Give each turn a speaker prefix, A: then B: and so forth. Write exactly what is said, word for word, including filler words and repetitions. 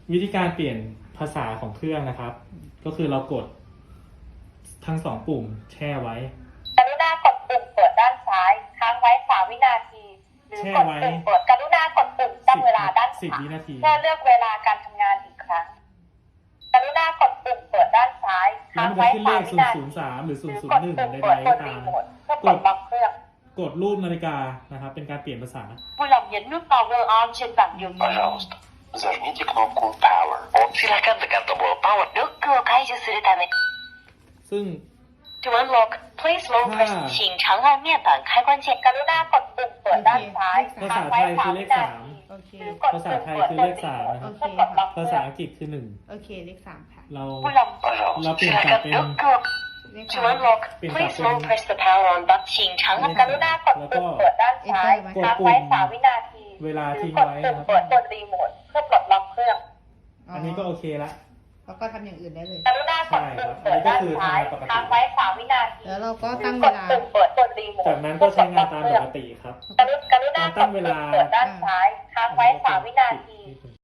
A: วิธีการเปลี่ยนภาษาของเครื่องนะครับ ก็คือเรากดทั้งสองปุ่มแช่ไว้
B: กรุณากดปุ่มเปิดด้านซ้ายค้างไว้สามวินาทีหรือกดปุ่มเปิดกรุณากดปุ่มตั้งเวลาด้านขวาเพื่อเลือกเวลาการทำงานอีกครั้งกรุณากดปุ่มเปิดด้านซ้ายค้างไว้สามวินาที
A: ศูนย์ ศูนย์ สามหรือ
B: ห
A: ศู
B: รื
A: นย์
B: อ
A: ศู
B: ก
A: น
B: ด
A: ย์ หนึ่ง
B: ปุ่ม
A: ใด
B: เปิด
A: ๆ
B: บ
A: ก็
B: น
A: ตา
B: รี
A: ม
B: โมทเพื่อปลดล็อกเครื่อง
A: กดรูปนาฬิกานะครับเป็นการเปลี่ยนภาษา
B: Vui lòng nhấn nút power on trên bảng điều khiển.
C: Пожалуйста, зажмите кнопку Power. Silakan tekan tombol Power.
B: ロックを解除するため
A: ซึ่ง
B: To unlock, please long press 请长按面板开关键กรุณากดปุ่มเปิดด้านซ้าย
A: ภาษาไทยคือเลขสาม
D: โอเค
B: หรือกด
A: ภาษา
B: ปุ่ม
A: ไทย
B: เปิด
A: คือบ เล
B: น
A: ข
B: รี
A: สาม
B: โมท
A: นะครับ
B: เพื่อกดล็อกเค
A: ภา
B: รื่
A: ษา
B: อง
A: อังกฤษคือหนึ่ง
D: โอเคเลขสามค่ะ
A: เรา
B: Vui lòng
A: เรา
C: Пожалуйста,
A: เปลี่ยนกลับ
C: silakan
A: เป็น
B: lock เครื่อง
D: เลข
B: To
D: สาม
B: unlock,
A: เปลี่ยน
B: please
A: กลับ
B: long
A: เป็น
B: press the power on button 请长按กรุณากดปุ่มเปิดด้านซ้ายค้างไว้สามวินาที
A: เวลา
B: หรื
A: ทิ้
B: อง กด
A: ไว้
B: ปุ่
A: นะ
B: ม
A: ครับ
B: เปิดบนรีโมทเพื่อปลดล็อกเครื่อง
A: อันนี้ก็โอเคละ
D: แล้วก็ทำอย่างอื่นได้เลย
B: กรุณากดปุ่มเปิดด้านซ้ายค้างไว้สามวินาที
D: แล้วเราก็
B: หรื
D: ตั้
B: อง ก
D: เว
B: ด
D: ลา
B: ปุ่มเปิดบนรีโมท
A: จากนั้นก็ใช้งานตามปกติครับ
B: กรุณากดปุ่มเปิดด้านซ้ายค้างไว้สามวินาที